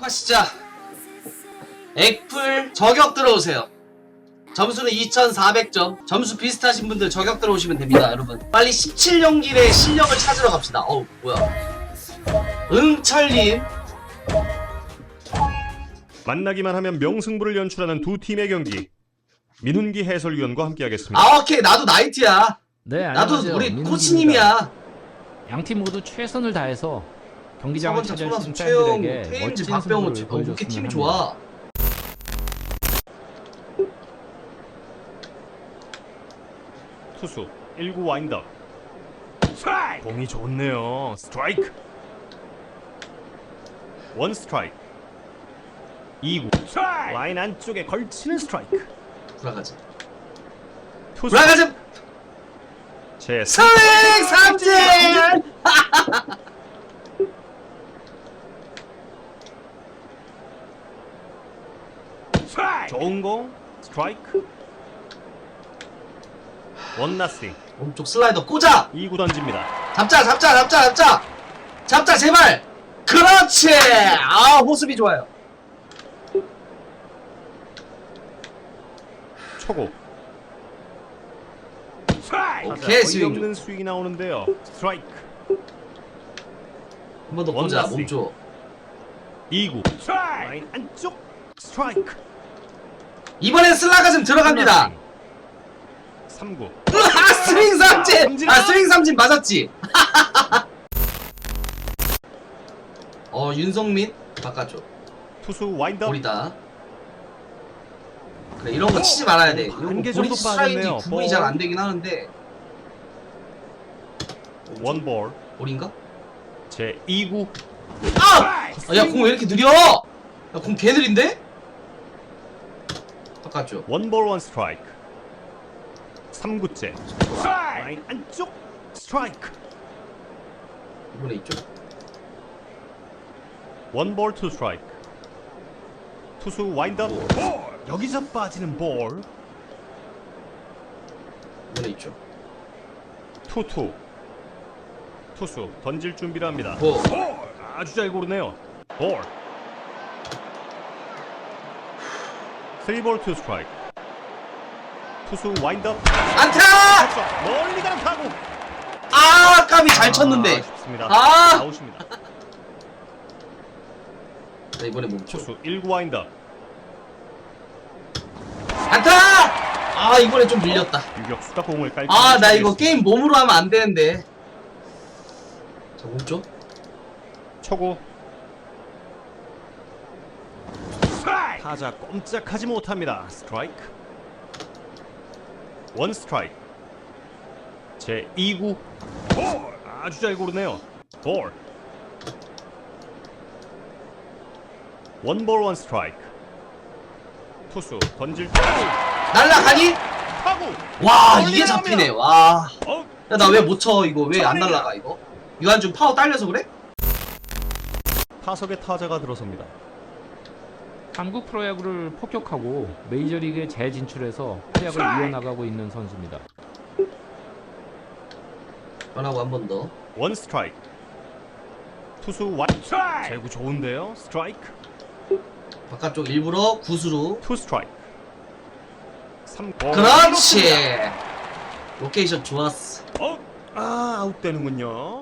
시작. 액풀 저격 들어오세요. 점수는 2400점. 점수 비슷하신 분들 저격 들어오시면 됩니다, 여러분. 빨리 17연길의 실력을 찾으러 갑시다. 어우, 뭐야. 응철님. 만나기만 하면 명승부를 연출하는 두 팀의 경기. 민훈기 해설위원과 함께하겠습니다. 아, 오케이. 나도 나이트야. 네, 나도 안녕하세요. 우리 민훈기입니다. 코치님이야. 양팀 모두 최선을 다해서 경기장을 서건창, 찾아주신 손아섭, 최영, 팬들에게 태임지, 멋진 박병호. 승부를 왜 이렇게 보여줬으면 팀이 합니다. 좋아? 투수 1구 와인더. 공이 좋네요. 스트라이크. 원 스트라이크. 2구 라인 안쪽에 걸치는 스트라이크. 불화가지. 투수 불화가지. 제 스윙 삼진. 좋은 공 스트라이크. 원 나싱. 오른쪽 슬라이더 꽂아. 2구 던집니다. 잡자 제발. 그렇지. 아, 호습이 좋아요. 초고. 오케이, 스윙. 없는 스윙이 나오는데요. 스트라이크. 한 번 더 꽂아. 원나싱. 몸쪽. 2구 라인 안쪽 스트라이크. 이번엔 슬라가 좀 들어갑니다. 3구 아, 스윙 삼진. 아, 스윙 삼진 맞았지. 윤성민 바깥쪽. 투수 와인더. 볼이다. 그래, 이런 거 치지 말아야 돼. 이런 한개 거 정도 볼이 스트라이크 빠졌네요. 구분이 잘 안 되긴 하는데. 원볼. 볼인가? 제 2구. 아! 야, 공 왜 이렇게 느려? 야, 공 개 느린데? 바깥쪽. 원볼 원 스트라이크. 3구째 라인 안쪽 스트라이크. 이번에 이쪽. 원볼 투 스트라이크. 투수 와인더. 여기서 빠지는 볼. 이번에 이쪽. 투투. 투수 던질 준비를 합니다. 고. 아주 잘 고르네요. 볼. 3볼 투 스트라이크. 투수 와인더. 안타! 멀리 가는 타구. 아, 까비 잘 쳤는데. 아쉽습니다. 아! 아웃입니다. 자, 이번에 몸쪽. 투수 1구 와인더. 안타! 아, 이번에 좀 밀렸다. 유격수가 공을 깔. 아, 나 이거 게임 몸으로 하면 안 되는데. 자, 몸쪽. 초고. 타자 꼼짝하지 못합니다. 스트라이크. 원 스트라이크. 제 2구. 아주 잘 고르네요. 볼. 원볼 원 스트라이크. 투수 던질 때 날라가니? 타구. 와, 이게 잡히네. 와. 어, 야, 나 왜 못 쳐, 이거? 왜 안 날라가, 이거? 유한준 파워 딸려서 그래? 타석에 타자가 들어섭니다. 한국 프로야구를 폭격하고 메이저리그에 재진출해서 활약을 이어나가고 있는 선수입니다. 변하고 한 번 더. 원 스트라이크. 투수 와. 제구 좋은데요. 스트라이크. 바깥쪽 일부러 구수로. 투 스트라이크. 3. 그렇지. 로케이션 좋았어. 아웃되는군요.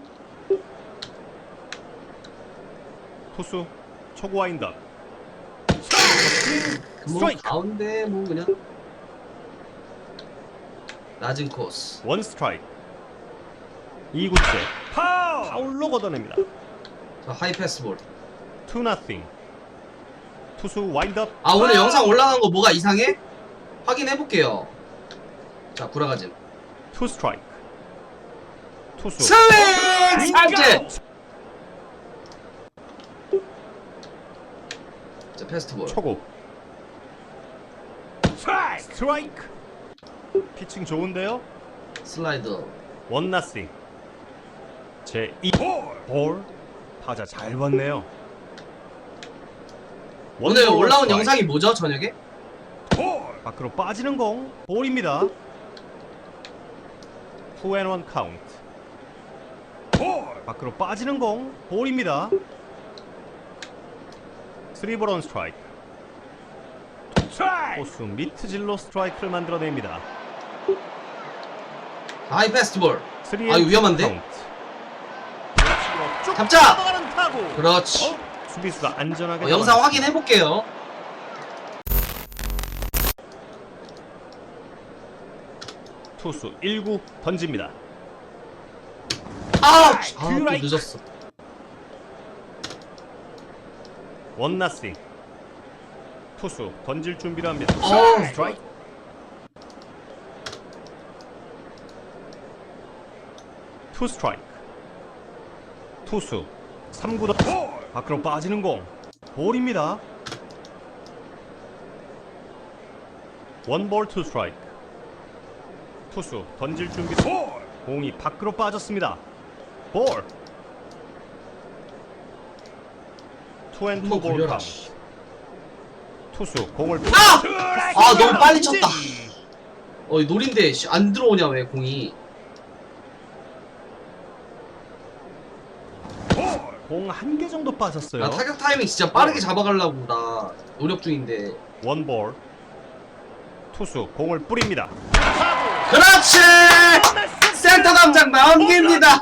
투수 초구 와인더. 뭐 스트라이크. 가운데 뭐 그냥 낮은 코스. 원 스트라이크. 2구째 파울로 걷어냅니다. 자, 하이 패스볼. 2-0. 투수 와인더. 아, 오늘 영상 올라간 거 뭐가 이상해? 확인해 볼게요. 자, 구라가진. 투 스트라이크. 투수 스윙 삼진. 자, 패스트볼. 초구. 스트라이크. 피칭 좋은데요. 슬라이더. 1-0. 제 2볼. 타자 잘 봤네요. 오늘 원볼 올라온 스트라이크. 영상이 뭐죠, 저녁에? 밖으로 빠지는 공 볼입니다. 2-1 카운트. 밖으로 빠지는 공 볼입니다. 3볼 원 스트라이크. 포수 미트질로 스트라이크를 만들어냅니다. 하이 패스트볼. 3 아, 이거 위험한데? 잡자! 그렇지. 수비수가 안전하게 영상 확인해 볼게요. 투수 1구 던집니다. 또 늦었어. 원나싱. 투수 던질 준비를 합니다. 스트라이크. 투 스트라이크. 투수 3구 던 밖으로 빠지는 공. 볼입니다. 원볼 투 스트라이크. 투수 던질 준비. 공이 밖으로 빠졌습니다. 볼. 투앤투 한번 볼 걸려라. 카운트. 투수 공을 너무 빨리 쳤다. 이 노린데 안 들어오냐 왜 공이? 공 한 개 정도 빠졌어요. 나 타격 타이밍 진짜 빠르게 잡아가려고 나 노력 중인데. 원볼. 투수 공을 뿌립니다. 그렇지! 센터 담장 넘깁니다.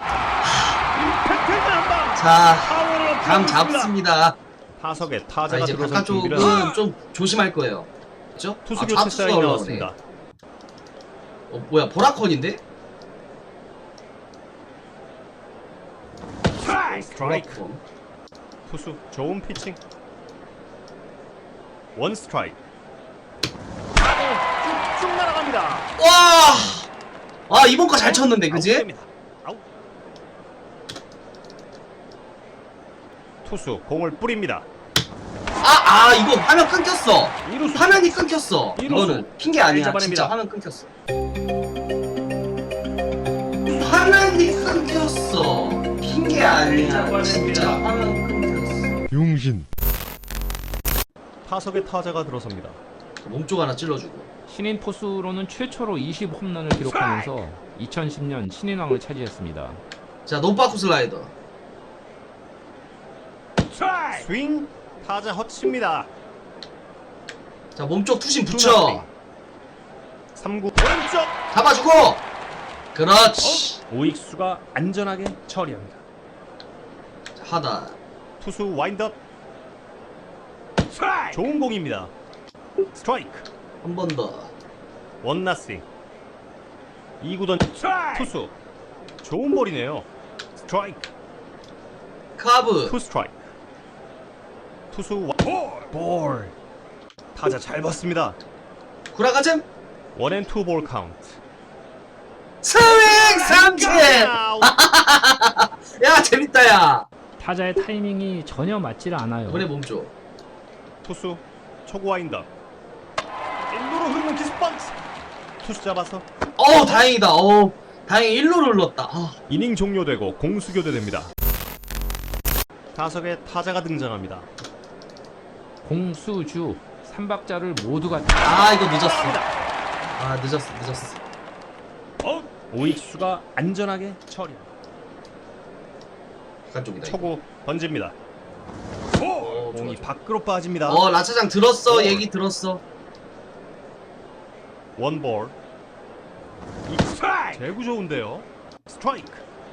자, 감 잡습니다. 타석에 자, 타자가 이제 들어선 준비를 바깥쪽은 좀 조심할 거예요. 그렇죠? 투수 교체 좌투수가 사인이 올라오네. 나왔습니다. 뭐야, 보라콘인데? 스트라이크. 보라콘. 투수 좋은 피칭. 원 스트라이크. 쭉쭉 날아갑니다. 와! 이번 거 잘 쳤는데, 그지? 아웃됩니다. 아웃. 투수 공을 뿌립니다. 이거 화면 끊겼어. 이루수. 화면이 끊겼어. 이루수. 이거는 핑계 아니야. 잡아냅니다. 진짜 화면 끊겼어. 화면이 끊겼어. 핑계 아니야. 진짜 화면 끊겼어. 용신. 타석에 타자가 들어섭니다. 몸쪽 하나 찔러주고. 신인 포수로는 최초로 20홈런을 기록하면서 2010년 신인왕을 차지했습니다. 자, 노파쿠 슬라이더. 스윙. 타자 헛칩니다. 자, 몸쪽 투심 붙여. 3구 오른쪽. 잡아주고. 그렇지. 오익수가 안전하게 처리합니다. 자, 하다. 투수 와인드업. 좋은 공입니다. 스트라이크. 한 번 더. 원나싱. 2구 던 투수 좋은 볼이네요. 스트라이크. 카브. 투 스트라이크. 투수 볼. 타자 잘 봤습니다. 구라가즘. 원앤투 볼 카운트. 스윙 삼진. 야, 재밌다, 야. 타자의 타이밍이 전혀 맞질 않아요. 이번에 몸쪽. 투수 초구 와인드업. 1루로 흐르는 기습 번트. 투수 잡아서 다행이다. 다행히 1루를 눌렀다. 이닝 종료되고 공수 교대됩니다. 타석에 타자가 등장합니다. 공수주 3박자를 모두가 이거 늦었어. 늦었어. 오익수가 안전하게 처리합니다. 바깥쪽이다. 초구 던집니다. 공이 밖으로 빠집니다. 라차장 들었어. 얘기 들었어. 원볼. 제구 좋은데요. 스트라이크.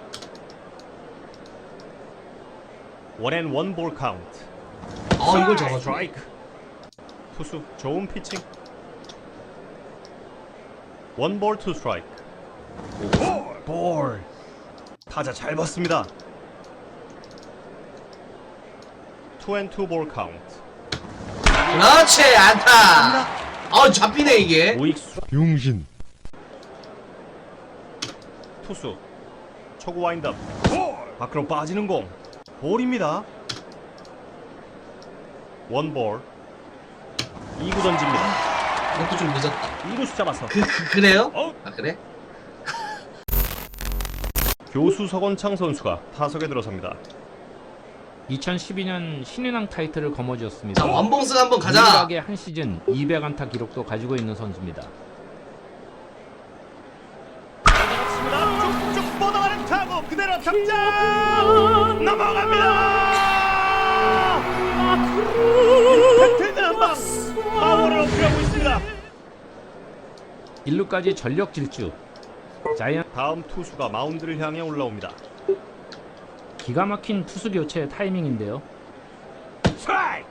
원앤 원볼 카운트. 이걸 잡아주네. 스트라이크. 투수 좋은 피칭. 원볼 투 스트라이크. 볼. 타자 잘 봤습니다. 투앤투 볼 카운트. 그렇지, 안타. 잡히네, 이게. 오익수 용신. 투수 초구 와인드업. 밖으로 빠지는 공. 볼입니다. 원볼. 2구 던집니다. 이것도 좀 늦었다. 2루수 잡아서 그래요? 어? 그래? 교수 서건창 선수가 타석에 들어섭니다. 2012년 신인왕 타이틀을 거머쥐었습니다. 자, 원봉승 한번 가자. 유일하게 한 시즌 200안타 기록도 가지고 있는 선수입니다. 쭉쭉 뻗어가는 타구 그대로 탑장 넘어갑니다. 임팩트 한방 파워를 어필하고 있습니다. 1루까지 전력 질주. 자이언 다음 투수가 마운드를 향해 올라옵니다. 기가 막힌 투수 교체 타이밍인데요. 스트라이크.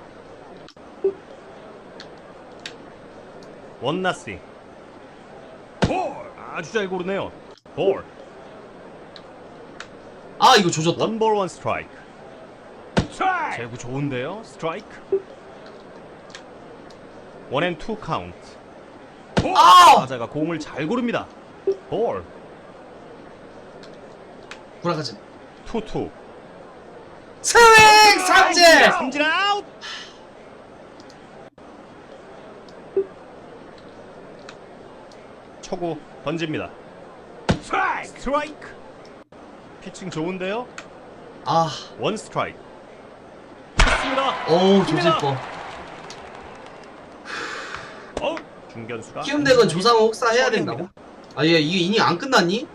원나싱. 볼. 아주 잘 고르네요. 볼. 아 이거 조졌다. 원볼 원 스트라이크. 제구 좋은데요. 스트라이크. 원앤투 카운트. 아! 타자가 공을 잘 고릅니다. 볼. 구라가지. 투투. 스윙 삼진. 삼진 아웃. 초구 던집니다. 스트라이크. 피칭 좋은데요. 아, 원 스트라이크. 좋습니다. 어우 조질 뻔. 중견수가 키움덱은 조상호 혹사 해야 된다고? 아, 얘 이게 이닝 안 끝났니?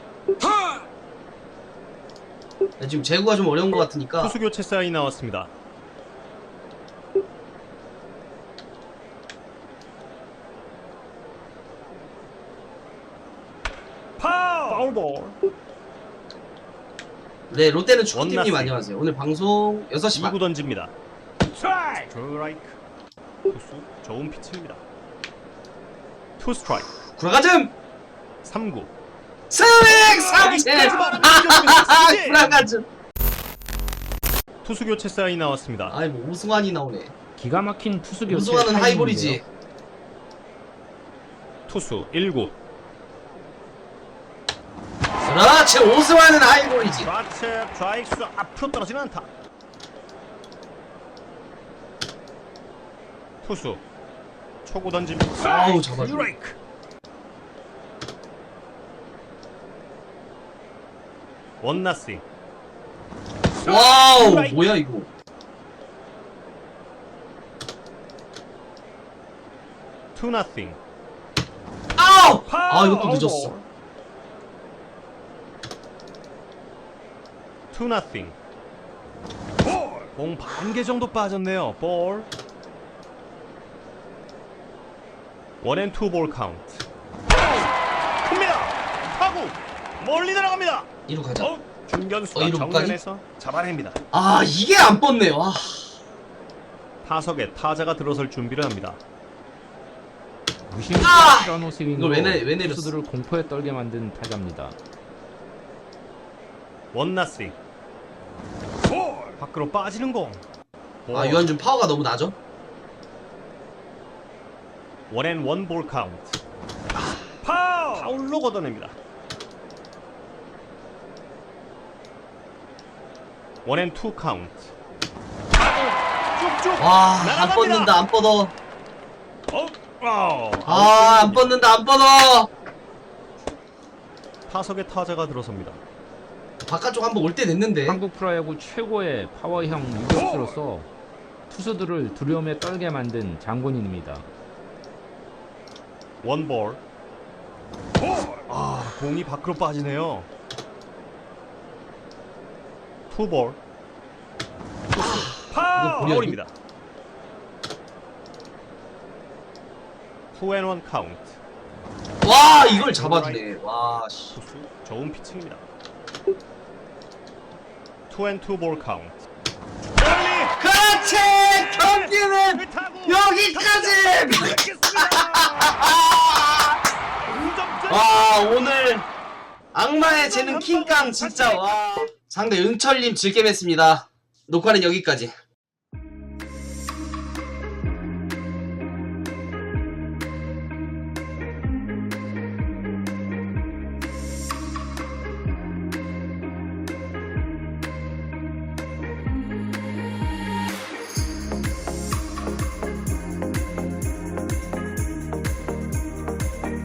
야, 지금 제구가 좀 어려운 것 같으니까. 투수 교체 사인이 나왔습니다. 파울볼. 네, 롯데는 축구팀님 원나싱. 안녕하세요. 오늘 방송 6시 반. 2구 던집니다. 스트라이크. 투수 좋은 피칭입니다. 투 스트라이크. 구라가즘. 3구. 스윙 삼진. 삼진! 구라가즘. 투수 교체 사인이 나왔습니다. 아이 뭐 오승환이 나오네. 기가 막힌 투수 교체 오승환은 타이밍인데요. 하이볼이지. 투수 1구. 그렇지, 오승환은 하이볼이지. 좌측 좌익수 앞으로 떨어지는 안타. 투수 초구 던집니다. 아우, 잡아줘. 스트라이크. 원나싱. 와우, 스트라이크. 뭐야 이거. 투 나싱. 아우! 아, 이것도 늦었어. 투 나싱. 공 반 개 정도 빠졌네요. 볼. 원앤투 볼 카운트. 큽니다. 타구 멀리 날아갑니다. 이루 가자. 중견수가 이루 못가니? 정면에서 잡아냅니다. 아, 이게 안 뻗네. 와. 타석에 타자가 들어설 준비를 합니다. 무심한 아! 티라노 이걸 스윙으로 왜 내렸어? 투수들을 공포에 떨게 만든 타자입니다. 원나싱. 밖으로 빠지는 공. 아, 유한준 파워가 너무 나죠? 원앤원 볼 카운트. 파울로 걷어냅니다. 원앤투 카운트. 쭉쭉 와, 안 날아갑니다. 뻗는다, 안 뻗어. 아, 안 뻗는다, 안 뻗어. 타석에 타자가 들어섭니다. 바깥쪽 한번 올 때 됐는데. 한국 프로야구 최고의 파워형 유격수로서 투수들을 두려움에 떨게 만든 장군인입니다. 원볼. 아, 공이 밖으로 빠지네요. 투볼. 파울입니다. 투앤원 카운트. 와, 이걸 잡아주네. 와, 씨. 투수 좋은 피칭입니다. 투앤투 볼 카운트. 그렇지! 경기는 여기까지! 와, 오늘 악마의 재능 킹깡 진짜 와. 상대 응철님 즐겜했습니다. 녹화는 여기까지.